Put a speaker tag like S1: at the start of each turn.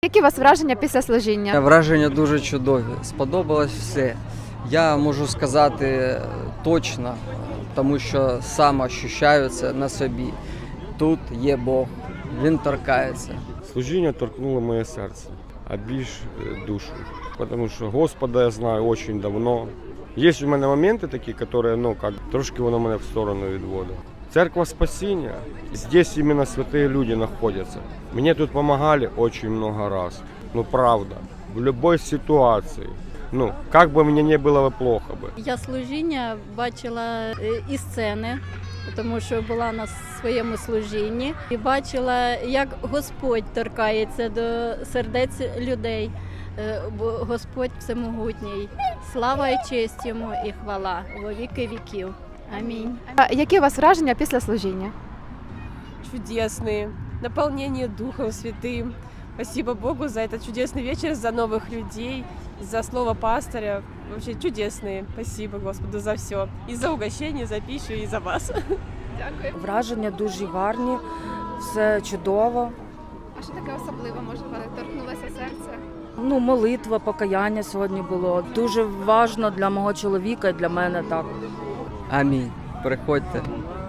S1: Які у вас враження після служіння?
S2: Враження дуже чудові. Сподобалось все. Я можу сказати точно, тому що сам ощущаю це на собі. Тут є Бог, Він торкається.
S3: Служіння торкнуло моє серце, а більш душу. Тому що Господа я знаю дуже давно. Є у мене моменти такі, які трошки воно мене в сторону відводить. Церква спасіння, здесь именно святые люди находятся. Мне тут помогали очень много раз. Правда, в любой ситуации. Как бы мне не было бы плохо бы.
S4: Я служіння бачила із сцени, тому що була на своєму служінні. І бачила, як Господь торкається до сердець людей. Бо Господь всемогутній. Слава і честь йому і хвала во віки віків. Амінь.
S1: Які у вас враження після служіння?
S5: Чудесные, наполнение Духом Святым. Спасибо Богу за этот чудесный вечер, за новых людей, за слово пастыря. Вообще чудесные. Спасибо Господу за все. И за угощение, за пищу, и за вас. Дякую.
S6: Враження дуже гарні, все чудово.
S1: А що таке особливе, може, торкнулося серце?
S6: Молитва, покаяння сьогодні було. Дуже важливо для мого чоловіка і для мене так.
S2: Амінь. Приходьте.